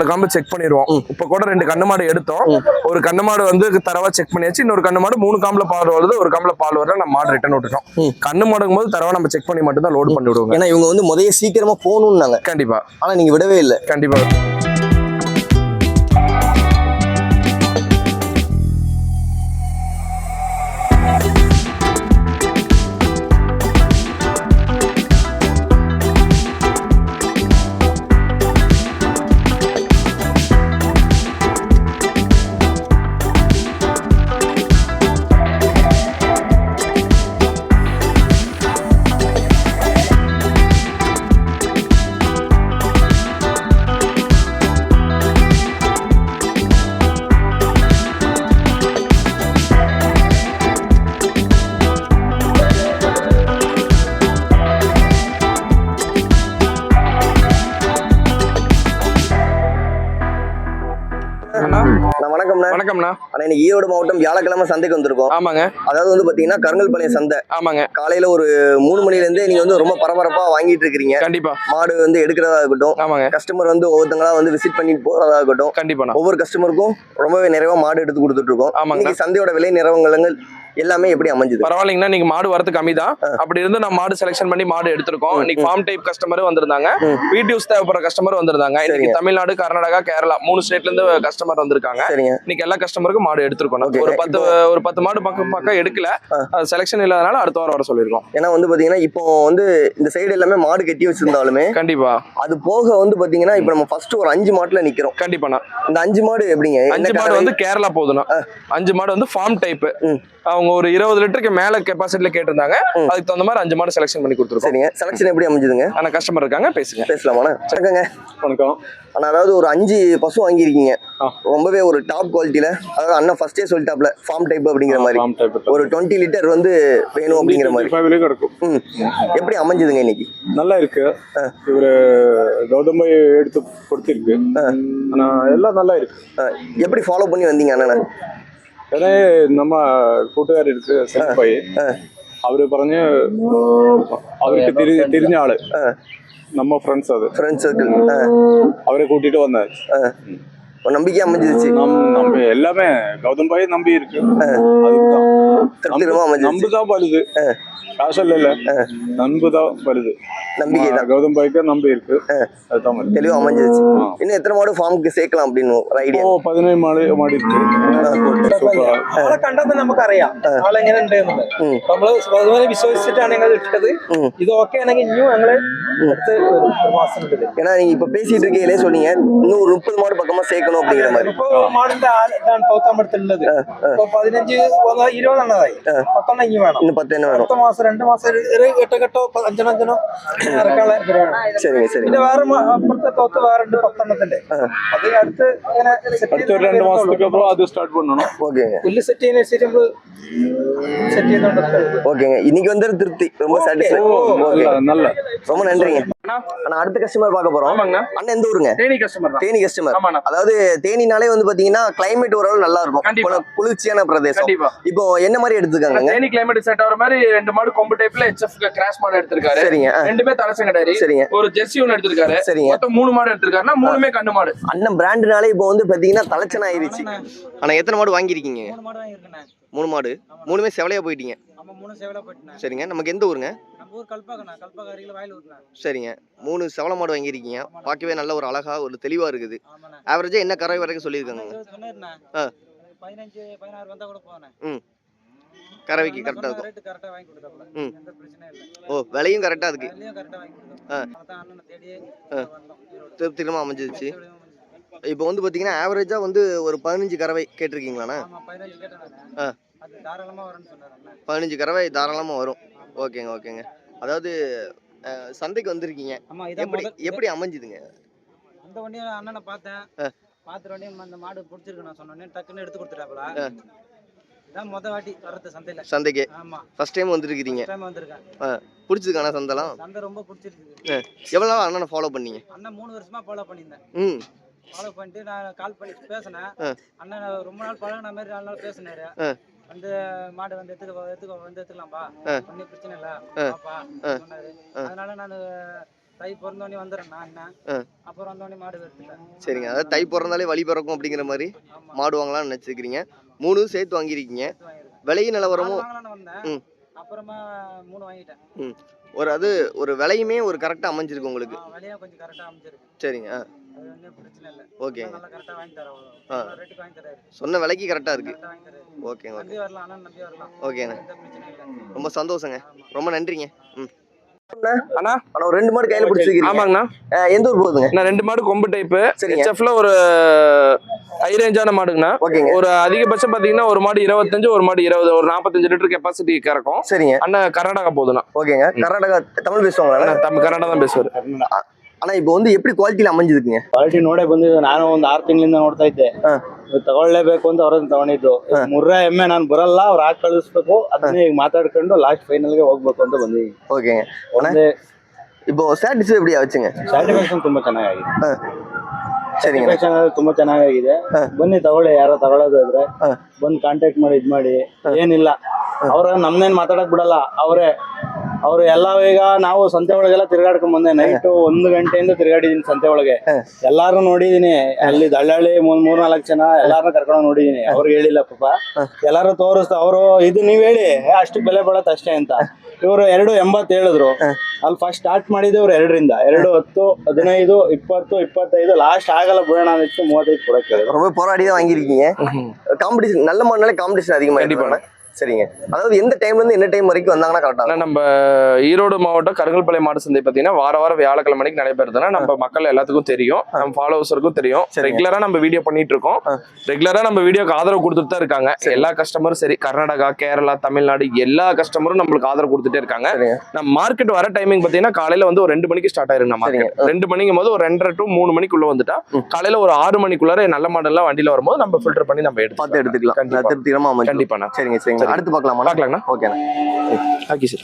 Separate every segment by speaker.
Speaker 1: காம்பு செக் பண்ணிடுவோம். இப்ப கூட 2 கண்ணு மாடு எடுத்தோம். ஒரு கண்ணு மாடு வந்து தரவா செக் பண்ணியாச்சு. இன்னொரு கண்ணு மாடு 3 காம்புல பால் வருது, ஒரு காம்புல பால் வருது. நம்ம மாடு ரிட்டர்ன் விட்டுட்டோம். கண்ணு மாடுக்கும் போது தரவா நம்ம செக் பண்ணி மட்டும் தான் லோட் பண்ணி விடுவோம்.
Speaker 2: ஏன்னா இவங்க வந்து முதல்ல சீக்கிரமா போகணும்னாங்க.
Speaker 1: கண்டிப்பா.
Speaker 2: ஆனா நீங்க விடவே இல்லை.
Speaker 1: கண்டிப்பா. வணக்கம்ண்ணா.
Speaker 2: இன்னைக்கு ஈரோடு மாவட்டம் வியாழக்கிழமை சந்தைக்கு வந்திருக்கோம்.
Speaker 1: ஆமாங்க.
Speaker 2: அதாவது வந்து பாத்தீங்கன்னா கருங்கல்பாளையம் சந்தை.
Speaker 1: ஆமாங்க.
Speaker 2: காலையில ஒரு 3 மணில இருந்தே நீங்க வந்து ரொம்ப பரபரப்பா வாங்கிட்டு இருக்கீங்க.
Speaker 1: கண்டிப்பா.
Speaker 2: மாடு வந்து எடுக்கிறதா இருக்கட்டும். ஆமாங்க. கஸ்டமர் வந்து ஒவ்வொருத்தங்களா வந்து விசிட் பண்ணிட்டு போறதா இருக்கட்டும்.
Speaker 1: கண்டிப்பா.
Speaker 2: ஒவ்வொரு கஸ்டமருக்கும் ரொம்பவே நிறைவா மாடு எடுத்து கொடுத்துட்டு இருக்கோம். இன்னைக்கு சந்தையோட விலை நிறவங்கள் எல்லாமே எப்படி அமைஞ்சது?
Speaker 1: பரவாயில்லைங்கண்ணா. நீங்க மாடு வரது கம்மி தான். அப்படி இருந்து நான் மாடு செலக்ஷன் பண்ணி மாடு எடுத்திருக்கோம். இன்னைக்கு ஃபார்ம் டைப் கஸ்டமர் வந்திருந்தாங்க, வீட் யூஸ் தேவைப்படுற கஸ்டமர் வந்திருந்தாங்க. இன்னைக்கு தமிழ்நாடு, கர்நாடகா, கேரளா 3 ஸ்டேட்ல இருந்து கஸ்டமர் வந்திருக்காங்க. இன்னைக்கு எல்லா கஸ்டமருக்கும் மாடு எடுத்திருக்கோம். ஒரு 10 மாடு பக்கம் எடுக்கல, செலக்ஷன் இல்லாதனால அடுத்த வாரம் வர சொல்லிருக்கோம்.
Speaker 2: ஏன்னா வந்து பாத்தீங்கன்னா இப்போ வந்து இந்த சைடு எல்லாமே மாடு கட்டி வச்சிருந்தாலுமே
Speaker 1: கண்டிப்பா
Speaker 2: அது போக வந்து பாத்தீங்கன்னா இப்ப நம்ம ஃபர்ஸ்ட் ஒரு 5 மாட்டுல நிக்கிறோம்.
Speaker 1: கண்டிப்பா.
Speaker 2: இந்த 5 மாடு எப்படிங்க?
Speaker 1: 5 மாடு வந்து கேரளா போகுதுண்ணா. 5 மாடு வந்து ஃபார்ம் டைப். அவங்க ஒரு 20 லிட்டருக்கு மேல கெபாசிட்டில கேட்டிருந்தாங்க. அதுக்கு தகுந்த மாதிரி 5 மாடு செலக்ஷன் பண்ணி கொடுத்துருக்கோம்.
Speaker 2: சரிங்க. செலக்ஷன் எப்படி அமைஞ்சதுங்க?
Speaker 1: ஆனா கஸ்டமர் இருக்காங்க,
Speaker 2: பேசலாமாண்ணா? வணக்கங்க.
Speaker 3: வணக்கம்.
Speaker 2: ஆனா அதாவது ஒரு 5 பசு வாங்கியிருக்கீங்க. ரொம்பவே ஒரு டாப் குவாலிட்டியில, அதாவது அண்ணன் ஃபர்ஸ்டே சொல்லிட்டாப்ல ஃபார்ம் டைப் அப்படிங்கிற மாதிரி ஒரு 20 லிட்டர் வந்து வேணும் அப்படிங்கிற மாதிரி
Speaker 3: இருக்கும்.
Speaker 2: எப்படி அமைஞ்சதுங்க இன்னைக்கு?
Speaker 3: நல்லா இருக்கு. இவரு கௌதம் எடுத்து கொடுத்திருக்கு. ஆனா எல்லாம் நல்லா இருக்கு.
Speaker 2: எப்படி ஃபாலோ பண்ணி வந்தீங்க அண்ணா?
Speaker 3: ஏன்னா நம்ம கூட்டுകാർ இருக்கு செல்பாய், அவரு പറഞ്ഞു അവർക്ക് തിരിഞ്ഞ ആള് நம்ம ஃப்ரெண்ட்ஸ், அது
Speaker 2: ஃப்ரெண்ட்ஸ் சர்க்கிள்,
Speaker 3: அவரை கூட்டிட்டு வந்தாரு.
Speaker 2: நம்பிக்கை அமைஞ்சிருச்சு.
Speaker 3: நம்ம எல்லாமே கௌதம் பாய் நம்பி இருக்கு. நம்புதான் வலுது, காசல் இல்ல, நம்புதான் வலுது. நம்பிக்கை தான் கௌதம் பாய்க்கு நம்பி இருக்கு. அதுதான்
Speaker 2: தெளிவா அமைஞ்சிருச்சு. இன்னும் எத்தனை மாடு ஃபார்முக்கு சேர்க்கலாம் அப்படின்னு ஐடியா?
Speaker 3: 17 மாடு இருக்கு.
Speaker 4: കണ്ടത് നമുക്കറിയാം ആളെങ്ങനെ ഉണ്ടെന്നുള്ളത്. നമ്മള് അതുപോലെ വിശ്വസിച്ചിട്ടാണ് ഞങ്ങൾ ഇട്ടത്. ഇത് ഓക്കെ ആണെങ്കിൽ ഇനിയും ഞങ്ങള് അടുത്ത് ഒരു മാസം ഉണ്ട്.
Speaker 2: ஏன்னா நீங்க இப்ப பேசிட்டு இருக்கீங்களே சொன்னீங்க இன்னும் ஒரு 30 மாடு பக்கமா சேர்க்கணும் அப்படிங்கிற மாதிரி.
Speaker 4: ഇപ്പൊ മാടിന്റെ ഇതാണ് പൗത്താമ്പടുത്തുള്ളത്. ഇപ്പൊ 15 20 എണ്ണതായി. 10 ഇനി വേണം.
Speaker 2: இன்னுം 10 വേണം.
Speaker 4: 10 മാസം 2 മാസം ഘട്ടോ 5 ഇറക്കാനുള്ള പരിപാടിയാണ്. പിന്നെ വേറെ അപ്പുറത്തെ തോത്ത് വേറെ 10 എണ്ണത്തിന്റെ അത് അടുത്ത് ഇങ്ങനെ
Speaker 3: അടുത്ത 2 മാസത്തേക്ക് അப்புறம் அது ஸ்டார்ட் பண்ணனும்.
Speaker 2: ஓகேங்க.
Speaker 4: புல்லு செட் செய்யணும் நம்ம செட் ചെയ്തോണ്ട്.
Speaker 2: ஓகேங்க. இன்னைக்கு வந்து திருப்தி, ரொம்ப சாட்டிஸ்ஃபை. ஓகே,
Speaker 3: நல்ல
Speaker 2: ரொம்ப நன்றிங்க. அண்ணா அடுத்த கஸ்டமர் பார்க்க போறோம். அண்ணா எந்த ஊருங்க?
Speaker 1: தேனி கஸ்டமர் தான்.
Speaker 2: தேனி கஸ்டமர். அதாவது தேனினாலே வந்து பாத்தீங்கன்னா கிளைமேட் ஓரளவு நல்லா இருக்கும், குளிர்ச்சியான பிரதேசம். இப்போ என்ன மாதிரி எடுத்துக்காங்க?
Speaker 1: தேனி கிளைமேட் செட் ஆகுற மாதிரி 2 மாடு கொம்பு டைப்ல HF கிராஸ் மாடு எடுத்திருக்காரு.
Speaker 2: சரிங்க.
Speaker 1: ரெண்டுமே தலைச்சங்கடாரி.
Speaker 2: சரிங்க.
Speaker 1: ஒரு ஜெர்சி ஒன்னு எடுத்திருக்காரு.
Speaker 2: சரிங்க.
Speaker 1: மொத்தம் 3 மாடு எடுத்திருக்காருன்னா 3மே கண்ணு மாடு.
Speaker 2: அண்ணன் பிராண்ட்னாலே இப்போ வந்து பாத்தீங்கன்னா தலைச்சன ஆயிருச்சு. ஆனா எத்தனை மாடு வாங்கிருக்கீங்க?
Speaker 4: 3 மாடு வாங்கிருக்கேன்.
Speaker 2: 3 மாடு. 3மே செவலையா போயிட்டீங்க.
Speaker 4: ஆமா, 3 செவலையா போயிட்டேன்.
Speaker 2: சரிங்க. நமக்கு எந்த ஊருங்க?
Speaker 4: நம்ம ஊர் கல்பாக்கண்ணா. கல்பாக்க அருகில வயலூர்ண்ணா.
Speaker 2: சரிங்க. 3 செவல மாடு வாங்கிருக்கீங்க. பார்க்கவே நல்ல ஒரு அழகா ஒரு தெளிவா இருக்குது. ஆவரேஜா என்ன கறவை வரைக்கும் சொல்லிருக்காங்க?
Speaker 4: சொன்னேன்னா 15 16 வந்தா கூட போறேன்.
Speaker 2: கறவைக்கு கரெக்டா இருக்கும்.
Speaker 4: ரேட் கரெக்ட்டா வாங்கி கொடுத்தாப்ல. எந்த பிரச்சனையும் இல்ல.
Speaker 2: ஓ, விலையும் கரெக்ட்டா இருக்கு.
Speaker 4: விலையும் கரெக்ட்டா வாங்கி கொடுத்தாப்ல. அதான் அண்ணனை தேடி வந்தோம்.
Speaker 2: திருப்திகரமா அமைஞ்சிருச்சு. இப்போ வந்து பாத்தீங்கன்னா ஆவரேஜா வந்து ஒரு 15 கறவை கேட்டிருக்கீங்களாண்ணா?
Speaker 4: ஆமா, 15 கேட்டேன் நானு. அது தாராளமா வரும்னு சொன்னாரு அண்ணா.
Speaker 2: 15 கறவை தாராளமா வரும். ஓகேங்க. அதாவது சந்தைக்கு வந்திருக்கீங்க.
Speaker 4: ஆமா, இதான்
Speaker 2: எப்படி அமைஞ்சுதுங்க?
Speaker 4: அந்த வண்டியை அண்ணனை பார்த்தேன். பார்த்த உடனே அந்த மாடு பிடிச்சிருக்கு நான் சொன்னேன். டக்குன்னு எடுத்து கொடுத்துட்டாப்ல. இதான் முத வாட்டி வரது சந்தைக்கு. ஆமா, ஃபர்ஸ்ட் டைம் வந்திருக்கீங்க. ஃபர்ஸ்ட் டைம் வந்திருக்கேன்.
Speaker 2: பிடிச்சதுக்கான சந்தைலாம்?
Speaker 4: சந்தை ரொம்ப பிடிச்சிருக்கு.
Speaker 2: எவ்வளவு நாள் அண்ணனை ஃபாலோ பண்ணீங்க?
Speaker 4: அண்ணன் 3 வருஷமா ஃபாலோ பண்ணியிருந்தேன். ஃபாலோ பண்ணிட்டு நான் கால் பண்ணி பேசினேன். அண்ணன் ரொம்ப நாள் பழகின மாதிரி 4 நாள் பேசினாரு. வந்து மாடு வந்து எடுத்துக்கலாம்பா, ஒன்றும் பிரச்சனை இல்லை பாப்பா சொன்னாரு. அதனால நான் தை பிறந்தோடனே வந்துடுறேன் அண்ணன். அப்புறம் வந்தோடனே மாடு எடுத்துட்டேன்.
Speaker 2: சரிங்க, அதாவது தை பிறந்தாலே வழி பிறக்கும் அப்படிங்கிற மாதிரி மாடு வாங்கலாம்னு நினைச்சிருக்கீங்க. 3 சேர்த்து வாங்கியிருக்கீங்க. விலையும் நிலவரமும்
Speaker 4: வந்தேன். அப்புறமா 3 வாங்கிட்டேன்.
Speaker 2: ஒரு விலையுமே ஒரு கரெக்டா அமைஞ்சிருக்கு உங்களுக்கு.
Speaker 4: விலையும் கொஞ்சம் கரெக்டா அமைஞ்சிருக்கு.
Speaker 2: சரிங்க.
Speaker 4: அது வந்து பிரச்சனை இல்லை.
Speaker 2: ஓகே,
Speaker 4: நல்லா கரெக்டா வாங்கி தரோம். ரேட்டுக்கு வாங்கி தராரு.
Speaker 2: சொன்ன விலைக்கு கரெக்டா இருக்கு.
Speaker 4: கரெக்டா வாங்கி தராரு.
Speaker 2: ஓகேங்க, ஓகே,
Speaker 4: நம்பி வரலாம், அண்ணன் நம்பி வரலாம்.
Speaker 2: ஓகேண்ணே,
Speaker 4: எந்த பிரச்சனையும் இல்லை.
Speaker 2: ரொம்ப சந்தோஷங்க, ரொம்ப நன்றிங்க.
Speaker 1: அண்ணா
Speaker 2: ஆனா ஒரு 2 மாடு கையில பிடிச்சிருக்கீங்க.
Speaker 1: ஆமாங்கண்ணா.
Speaker 2: எந்த ஊர் போகுதுங்க?
Speaker 1: நான் 2 மாடு கொம்பு டைப்.
Speaker 2: சரிங்க.
Speaker 1: HFல ஒரு ஹை ரேஞ்சான மாடுங்கண்ணா.
Speaker 2: ஓகேங்க.
Speaker 1: ஒரு அதிகபட்சம் பாத்தீங்கன்னா ஒரு மாடு 25, ஒரு மாடு 20, ஒரு 45 லிட்டர் கெப்பாசிட்டி கறக்கும்.
Speaker 2: சரிங்க.
Speaker 1: அண்ணா கர்நாடகா போதுண்ணா.
Speaker 2: ஓகேங்க. கர்நாடகா தமிழ் பேசுவாங்களா?
Speaker 1: ಕನ್ನಡ தான் பேசுவாரு.
Speaker 2: ಅಣ್ಣ இப்போ வந்து எப்படி ಕ್ವಾಲಿಟಿಲಿ ಅಮ್ಮಂಜಿದೀங்க?
Speaker 5: ಕ್ವಾಲಿಟಿ ನೋಡೇ ಬಂದಿದ್ದು. ನಾನು ಒಂದು 6 ತಿಂಗಳಿಂದ ನೋಡ್ತಾ ಇದ್ದೆ. ತಗೊಳ್ಳೇಬೇಕು ಅಂತ ಅವ್ರನ್ನ ತಗೊಂಡಿದ್ದು. ಮುರ್ರಾ ಎಮ್ಮೆ ನಾನು ಬರಲ್ಲ, ಅವ್ರು ಹಾಕಿ ಕಳಿಸ್ಬೇಕು, ಅದನ್ನೇ ಈಗ ಮಾತಾಡ್ಕೊಂಡು ಲಾಸ್ಟ್ ಫೈನಲ್ ಗೆ ಹೋಗ್ಬೇಕು ಅಂತ ಬಂದಿದ್ದೀನಿ.
Speaker 2: ಓಕೆங்க. இப்போ ಸ್ಯಾಟಿಸ್ಫೈ எப்படி ಆಚುங்க?
Speaker 5: ಸ್ಯಾಟಿಸ್ಫ್ಯಾಕ್ಷನ್ ತುಂಬಾ ಚೆನ್ನಾಗಿದೆ.
Speaker 2: சரிங்க.
Speaker 5: ಸ್ಯಾಟಿಸ್ಫ್ಯಾಕ್ಷನ್ ತುಂಬಾ ಚೆನ್ನಾಗಿದೆ. ಬನ್ನಿ ತಗೊಳ್ಳಿ, ಯಾರೋ ತಗೊಳ್ಳೋದಾದ್ರೆ ಬಂದು ಕಾಂಟ್ಯಾಕ್ಟ್ ಮಾಡಿ ಇದ್ ಮಾಡಿ. ಏನಿಲ್ಲ, ಅವ್ರ ನಮ್ನೇನ್ ಮಾತಾಡಕ್ ಬಿಡಲ್ಲ. ಅವ್ರು ಎಲ್ಲ ಈಗ ನಾವು ಸಂತೆ ಒಳಗೆಲ್ಲ ತಿರ್ಗಾಡ್ಕೊಂಡ್ ಬಂದೆ. ನೈಟ್ 1 ಗಂಟೆಯಿಂದ ತಿರ್ಗಾಡಿದೀನಿ ಸಂತೆ ಒಳಗೆ. ಎಲ್ಲಾರು ನೋಡಿದೀನಿ. ಅಲ್ಲಿ ದಳ್ಳಾಳಿ 3-4 ಜನ ಎಲ್ಲಾರನ್ನ ಕರ್ಕೊಂಡು ನೋಡಿದೀನಿ. ಅವ್ರಿಗೆ ಹೇಳಿಲ್ಲ ಪಾಪ, ಎಲ್ಲಾರು ತೋರಿಸ್ತಾ ಅವ್ರು ಇದು ನೀವ್ ಹೇಳಿ ಅಷ್ಟು ಬೆಲೆ ಬಡತ್ ಅಷ್ಟೇ ಅಂತ. ಇವರು 2.80 ಹೇಳಿದ್ರು. ಅಲ್ಲಿ ಫಸ್ಟ್ ಸ್ಟಾರ್ಟ್ ಮಾಡಿದ್ದು ಇವ್ರು 2ರಿಂದ 2, 10, 15, 20, 25 லாஸ்ட் ಆಗಲ್ಲ ಬಿಡೋಣ ಅಂದಿತ್ತು. 35 ಕೊಡಕ್ಕೆ
Speaker 2: ரொம்ப போராடி தான் வாங்கியிருக்கீங்க. காம்படிஷன் நல்ல மாடுனால காம்படிஷன் அதிகமா
Speaker 1: கண்டிப்பா.
Speaker 2: சரிங்க. அதாவது எந்த டைம்ல இருந்து என்ன டைம் வரைக்கும் வந்தாங்கன்னா கரெக்டா?
Speaker 1: நம்ம ஈரோடு மாவட்டம் கருங்கல்பாளையம் மாடு சந்தை பாத்தீங்கன்னா வாரம் வியாழக்கிழமை மணிக்கு நடைபெறுதுன்னா நம்ம மக்கள் எல்லாத்துக்கும் தெரியும், நம்ம ஃபாலோவர்ஸருக்கும் தெரியும். ரெகுலரா நம்ம வீடியோ பண்ணிட்டு இருக்கோம். ரெகுலரா நம்ம வீடியோக்கு ஆதரவு கொடுத்துட்டு தான் இருக்காங்க எல்லா கஸ்டமரும். சரி, கர்நாடகா, கேரளா, தமிழ்நாடு எல்லா கஸ்டமரும் நம்மளுக்கு ஆதரவு கொடுத்துட்டே இருக்காங்க. நம்ம மார்க்கெட் வர டைமிங் பாத்தீங்கன்னா காலையில வந்து ஒரு 2 மணிக்கு ஸ்டார்ட் ஆயிருங்க நம்ம மார்க்கெட். 2 மணிக்கும் போது ஒரு 2:30 to 3 மணிக்குள்ள வந்துட்டா காலையில ஒரு 6 மணிக்குள்ளார நல்ல மாடல் எல்லாம் வண்டியில வரும்போது நம்ம ஃபில்டர் பண்ணி நம்ம
Speaker 2: பார்த்து எடுத்துக்கலாம். திருப்திகரமா அமையும்.
Speaker 1: கண்டிப்பா. சரிங்க,
Speaker 2: சரிங்க. அடுத்து பார்க்கலாமா?
Speaker 1: ಓಕೆನಾ? ಹಾಕಿ ಸರ್.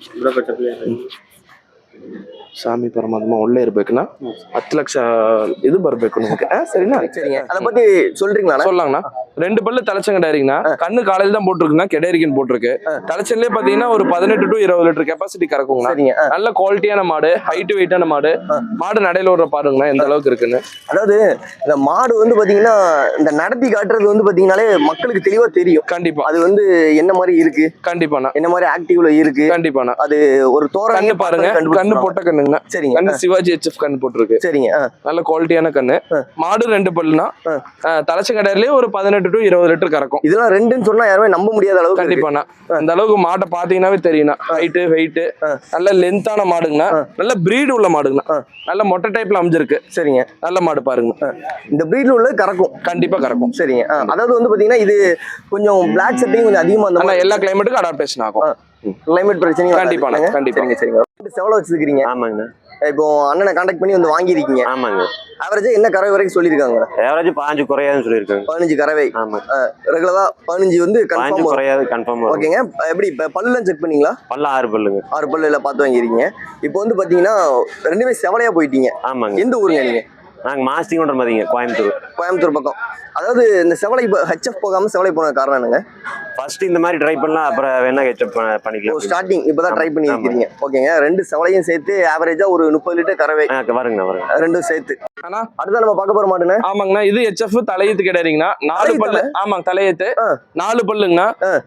Speaker 1: ಸ್ವಾಮಿ ಪರಮಾತ್ಮ ಒಳ್ಳೆ ಇರ್ಬೇಕಣ್ಣ. 10 ಲಕ್ಷ ಇದು ಬರ್ಬೇಕು ನಿಮಗೆ. சரிண்ணா?
Speaker 2: சரிங்க. அத பத்தி சொல்றீங்களா?
Speaker 1: சொல்லலாங்கண்ணா. 2 பல்லு தலைச்சங்கடாரிங்கண்ணா. கண்ணு காலையில தான் போட்டுருக்குண்ணா. கெடேரிக்கன் போட்டிருக்கு. தலைச்சன்லயே பாத்தீங்கன்னா ஒரு 18 to 20 லிட்டர் கெப்பாசிட்டி கறக்குங்கண்ணா.
Speaker 2: சரிங்க.
Speaker 1: நல்ல குவாலிட்டியான மாடு, ஹைட் வெயிட்டான மாடு. மாடு நடையில ஓடுற பாருங்கண்ணா எந்த அளவுக்கு இருக்குன்னு.
Speaker 2: அதாவது இந்த மாடு வந்து பாத்தீங்கன்னா இந்த நடத்தி காட்டுறது வந்து பாத்தீங்கன்னாலே மக்களுக்கு தெளிவா தெரியும்.
Speaker 1: கண்டிப்பா.
Speaker 2: அது வந்து என்ன மாதிரி இருக்கு,
Speaker 1: கண்டிப்பாண்ணா
Speaker 2: என்ன மாதிரி ஆக்டிவ்ல இருக்கு,
Speaker 1: கண்டிப்பாண்ணா.
Speaker 2: அது ஒரு தோரணை
Speaker 1: பாருங்க. கண்ணு போட்ட கண்ணுங்கண்ணா.
Speaker 2: சரிங்க.
Speaker 1: கண்ணு சிவாஜி HF கண்ணு போட்டிருக்கு.
Speaker 2: சரிங்க.
Speaker 1: நல்ல குவாலிட்டியான கண்ணு. மாடு 2 பல்லுனா தலைச்சங்கடையிலேயே ஒரு 18 to 20 லிட்டர் கறக்கும்.
Speaker 2: இதெல்லாம் 2ன்னு சொன்னா யாருமே நம்ப முடியாத அளவுக்கு.
Speaker 1: கண்டிப்பாண்ணா. அந்த அளவுக்கு மாட்டை பாத்தீங்கன்னாவே தெரியும்ண்ணா. ஹைட்டு வெயிட் நல்ல லென்த்தான மாடுங்கண்ணா. நல்ல பிரீடு உள்ள மாடுங்கண்ணா. நல்ல மொட்டை டைப்ல அமைஞ்சிருக்கு.
Speaker 2: சரிங்க.
Speaker 1: நல்ல மாடு பாருங்க.
Speaker 2: இந்த பிரீட்ல உள்ள கறக்கும்.
Speaker 1: கண்டிப்பா கறக்கும்.
Speaker 2: சரிங்க. அதாவது வந்து பாத்தீங்கன்னா இது கொஞ்சம் பிளாக் செட்டிங் கொஞ்சம் அதிகமா அந்த
Speaker 1: எல்லா கிளைமேட்டுக்கும் அடாப்டேஷன் ஆகும்.
Speaker 2: கிளைமேட் பிரச்சனையும்
Speaker 1: கண்டிப்பா கண்டிப்பா.
Speaker 2: சரிங்க. செவல வச்சிருக்கீங்க.
Speaker 6: ஆமாங்க.
Speaker 2: இப்போ அண்ணனை கான்டாக்ட் பண்ணி வந்து வாங்கியிருக்கீங்க.
Speaker 6: ஆமாங்க.
Speaker 2: ஆவரேஜா என்ன கறவை வரைக்கும் சொல்லியிருக்காங்க?
Speaker 6: ஆவரேஜ் 15 குறையாதுன்னு சொல்லியிருக்காங்க.
Speaker 2: 15 கறவை.
Speaker 6: ஆமா.
Speaker 2: ரெகுலரா 15 வந்து
Speaker 6: 15
Speaker 2: கன்ஃபார்ம்
Speaker 6: குறையாது, கன்ஃபார்ம்.
Speaker 2: ஓகேங்க. எப்படி பல்லுலாம் செக் பண்ணீங்களா?
Speaker 6: பல்ல 6 பல்லுங்க.
Speaker 2: 6 பல்லுல பார்த்து வாங்கிருக்கீங்க. இப்போ வந்து பாத்தீங்கன்னா 2மே செவலையா போயிட்டீங்க.
Speaker 6: ஆமாங்க.
Speaker 2: எந்த ஊருங்க நீங்க?
Speaker 6: நாங்க மாஸ்டிங்கோன்ற மாதிரிங்க,
Speaker 2: கோயம்புத்தூர் பக்கம். அதாவது இந்த செவலை HF போகாம செவலை போன காரணம் என்னங்க?
Speaker 6: ஃபர்ஸ்ட் இந்த மாதிரி ட்ரை பண்ணலாம், அப்புறம் வேணா ஹெச்அப் பண்ணிக்கலாம்.
Speaker 2: ஸ்டார்டிங் இப்பதான் ட்ரை பண்ணி இருக்கீங்க. ஓகேங்க. 2 செவலையும் சேர்த்து ஆவரேஜா ஒரு 30 லிட்டர் கறவை
Speaker 6: வருங்க.
Speaker 2: 2 சேர்த்து.
Speaker 1: ஆனா
Speaker 2: அடுத்த நம்ம பார்க்க போற மாடுங்க.
Speaker 1: ஆமாங்கண்ணா. இது HF தலையீத்து கிடையாதுங்கண்ணா. 4 பல்லு. ஆமாங்க, தலையீத்து 4 பல்லுங்கண்ணா.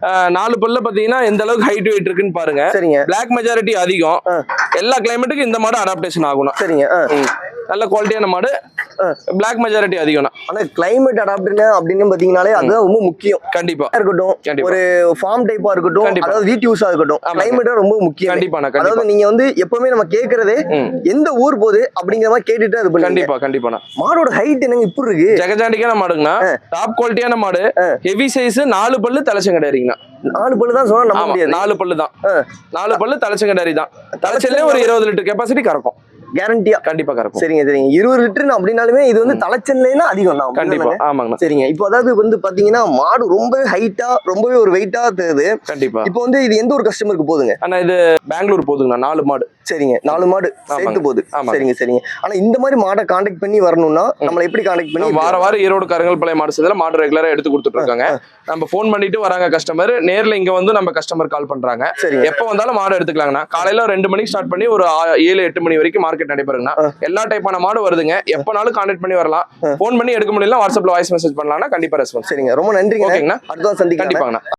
Speaker 1: 4 பல்ல பாத்தீங்கன்னா எந்த அளவுக்கு ஹைட் வெயிட் இருக்குன்னு பாருங்க.
Speaker 2: சரிங்க.
Speaker 1: பிளாக் மெஜாரிட்டி அதிகம். எல்லா கிளைமேட்டுக்கும் இந்த மாடு அடாப்டேஷன் ஆகணும்.
Speaker 2: சரிங்க.
Speaker 1: நல்ல குவாலிட்டியான மாடு, பிளாக் மெஜாரிட்டி அதிகம்.
Speaker 2: ஆனா கிளைமேட் அடாப்டர்னா அப்படின்னு பாத்தீங்கன்னாலே அதுதான் ரொம்ப முக்கியம்.
Speaker 1: கண்டிப்பா
Speaker 2: இருக்கட்டும், ஒரு ஃபார்ம் டைப்பா இருக்கட்டும், அதாவது வீட்டு யூஸா இருக்கட்டும், கிளைமேட் ரொம்ப முக்கியம்.
Speaker 1: கண்டிப்பா.
Speaker 2: அதாவது நீங்க வந்து எப்பவுமே நம்ம கேக்குறதே எந்த ஊர் போகுது அப்படிங்கிற மாதிரி கேட்டுட்டு அது பண்ணுங்க.
Speaker 1: கண்டிப்பா.
Speaker 2: மாடோட ஹைட் என்னங்க இப்படி இருக்கு?
Speaker 1: ஜெகஜாண்டிக்கான மாடுங்கண்ணா. டாப் குவாலிட்டியான மாடு, ஹெவி சைஸ், 4 பல்லு தலைச்சங்கடாரிங்கண்ணா.
Speaker 2: 4 பல்லு தான் சொன்னா நம்ப முடியாது.
Speaker 1: 4 பல்லு தான். 4 பல்லு தலைச்சங்கடாரி தான். தலைச்சல்லே ஒரு 20 லிட்டர் கெப்பாசிட்டி கறக்கும்.
Speaker 2: கேரண்டியா?
Speaker 1: கண்டிப்பா கறக்கும்.
Speaker 2: சரிங்க. 20 லிட்டர் அப்படின்னாலுமே இது வந்து தலைச்சல்லைனா அதிகம் தான்.
Speaker 1: கண்டிப்பா. ஆமாங்க.
Speaker 2: சரிங்க. இப்போ அதாவது வந்து பாத்தீங்கன்னா மாடு ரொம்ப ஹைட்டா, ரொம்பவே ஒரு வெயிட்டா தெரியுது.
Speaker 1: கண்டிப்பா.
Speaker 2: இப்போ வந்து இது எந்த ஒரு கஸ்டமருக்கு போகுதுங்க?
Speaker 1: ஆனா இது பெங்களூர் போகுதுங்கண்ணா. 4 மாடு.
Speaker 2: சரிங்க 4 மாடு சேர்த்து போகுது. சரிங்க. ஆனா இந்த மாதிரி மாடை கான்டாக்ட் பண்ணி வரணும்னா நம்மள எப்படி கான்டாக்ட் பண்ணி?
Speaker 1: வாரம் ஈரோடு கருங்கல்பாளையம் மாடு சந்தையில மாடு ரெகுலரா எடுத்து கொடுத்துட்டு இருக்காங்க. நம்ம ஃபோன் பண்ணிட்டு வராங்க கஸ்டமர், நேர்ல இங்க வந்து நம்ம கஸ்டமர் கால் பண்றாங்க. எப்ப வந்தாலும் மாடு எடுத்துக்கலாங்கண்ணா. காலையில 2 மணிக்கு ஸ்டார்ட் பண்ணி ஒரு 7-8 மணி வரைக்கும் மார்க்கெட் நடைபெறுங்கண்ணா. எல்லா டைப்பான மாடு வருதுங்க. எப்பனாலும் கான்டாக்ட் பண்ணி வரலாம். ஃபோன் பண்ணி எடுக்க முடியல வாட்ஸ்அப்ல வாய்ஸ் மெசேஜ் பண்ணலாம்னா கண்டிப்பா ரெஸ்பான்ஸ்.
Speaker 2: சரிங்க, ரொம்ப நன்றிங்க.
Speaker 1: ஓகேங்கண்ணா,
Speaker 2: அடுத்த சந்திக்கலாம்.
Speaker 1: கண்டிப்பாங்கண்ணா.